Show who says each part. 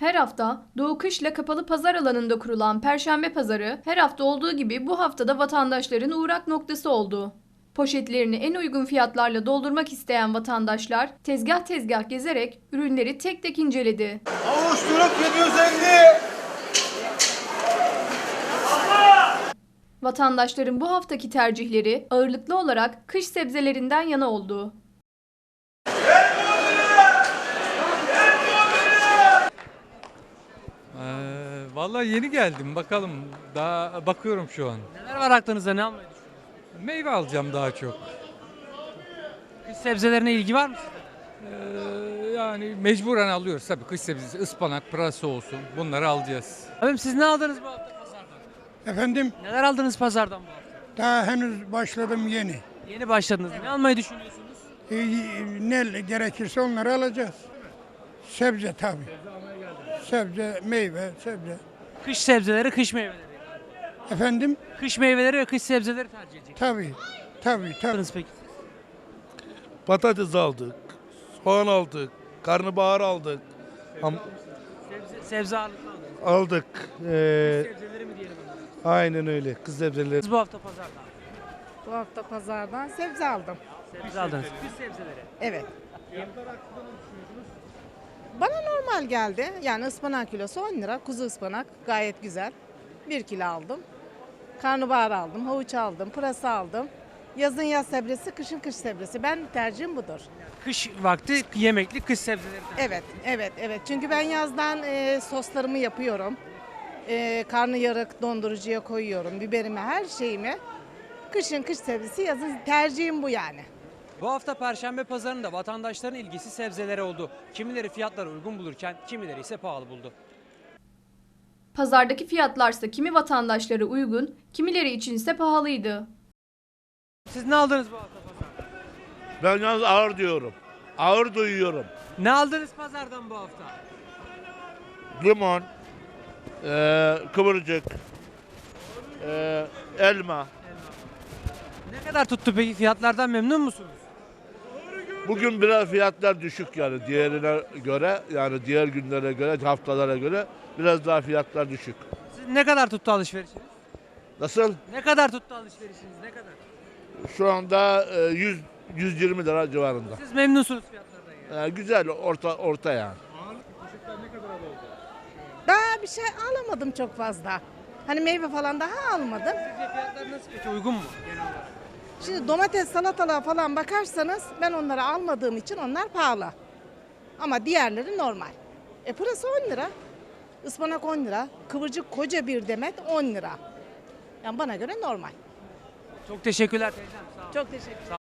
Speaker 1: Her hafta Doğu Kışla Kapalı Pazar alanında kurulan Perşembe Pazarı her hafta olduğu gibi bu haftada vatandaşların uğrak noktası oldu. Poşetlerini en uygun fiyatlarla doldurmak isteyen vatandaşlar tezgah tezgah gezerek ürünleri tek tek inceledi.
Speaker 2: Avuşturuk 750.
Speaker 1: Vatandaşların bu haftaki tercihleri ağırlıklı olarak kış sebzelerinden yana oldu.
Speaker 3: Vallahi yeni geldim. Bakalım. Daha bakıyorum şu an.
Speaker 4: Neler var aklınızda, ne almayı düşünüyorsunuz?
Speaker 3: Meyve alacağım daha çok.
Speaker 4: Kış sebzelerine ilgi var mı sizde?
Speaker 3: Yani mecburen alıyoruz tabii. Kış sebzesi, ıspanak, pırasa olsun. Bunları alacağız.
Speaker 4: Abim siz ne aldınız bu hafta pazardan?
Speaker 5: Efendim,
Speaker 4: Neler aldınız pazardan bu hafta?
Speaker 5: daha henüz başladım yeni.
Speaker 4: Yeni başladınız. Ne almayı düşünüyorsunuz?
Speaker 5: Ne gerekirse onları alacağız. Sebze tabii. Sebze, meyve, sebze.
Speaker 4: Kış sebzeleri, kış meyveleri.
Speaker 5: Efendim,
Speaker 4: Kış meyveleri ve kış sebzeleri tercih edeceksiniz.
Speaker 5: tabii.
Speaker 4: Aldınız peki.
Speaker 2: Patates aldık. Soğan aldık. Karnabahar aldık.
Speaker 4: Sebze ağırlıklı aldınız.
Speaker 2: Aldık.
Speaker 4: Sebzeleri mi diyelim onlara?
Speaker 2: Aynen öyle. Kız sebzeleri.
Speaker 4: Siz bu hafta pazardan
Speaker 6: Bu hafta pazardan sebze aldım.
Speaker 4: sebze aldınız. Kış sebzeleri.
Speaker 6: Evet. Bana normal geldi. Yani ıspanak kilosu 10 lira. Kuzu ıspanak gayet güzel. 1 kilo aldım. Karnabahar aldım, havuç aldım, pırasa aldım. Yazın yaz sebzesi, kışın kış sebzesi. Ben tercihim budur.
Speaker 4: Kış vakti yemekli kış sebzeleri tercih.
Speaker 6: Evet. Çünkü ben yazdan soslarımı yapıyorum. Karnıyarık dondurucuya koyuyorum. Biberimi, her şeyimi. Kışın kış sebzesi, yazın tercihim bu yani.
Speaker 4: Bu hafta Perşembe pazarında vatandaşların ilgisi sebzelere oldu. Kimileri fiyatları uygun bulurken kimileri ise pahalı buldu.
Speaker 1: Pazardaki fiyatlarsa kimi vatandaşlara uygun, kimileri içinse pahalıydı.
Speaker 4: Siz ne aldınız bu hafta pazardan?
Speaker 2: Ben yalnız ağır diyorum. Ağır duyuyorum.
Speaker 4: Ne aldınız pazardan bu hafta?
Speaker 2: Limon, kıvırcık, elma.
Speaker 4: Ne kadar tuttu peki, fiyatlardan memnun musunuz?
Speaker 2: Bugün biraz fiyatlar düşük yani diğerine göre, yani diğer günlere göre, haftalara göre biraz daha fiyatlar düşük.
Speaker 4: Siz ne kadar tuttu alışverişiniz?
Speaker 2: Nasıl?
Speaker 4: Ne kadar tuttu alışverişiniz? Ne kadar?
Speaker 2: Şu anda 120 lira civarında.
Speaker 4: Siz memnunsunuz fiyatlardan yani.
Speaker 2: Güzel, orta yani.
Speaker 6: Daha bir şey alamadım çok fazla. Hani meyve falan daha almadım.
Speaker 4: Sizce fiyatlar nasıl peki? Uygun mu genel olarak?
Speaker 6: Şimdi domates, salatalığa falan bakarsanız ben onları almadığım için onlar pahalı. Ama diğerleri normal. Pırasa 10 lira, ıspanak 10 lira, kıvırcık koca bir demet 10 lira. Yani bana göre normal.
Speaker 4: Çok teşekkürler teyzem. Sağ olun.
Speaker 6: Çok teşekkür ederim.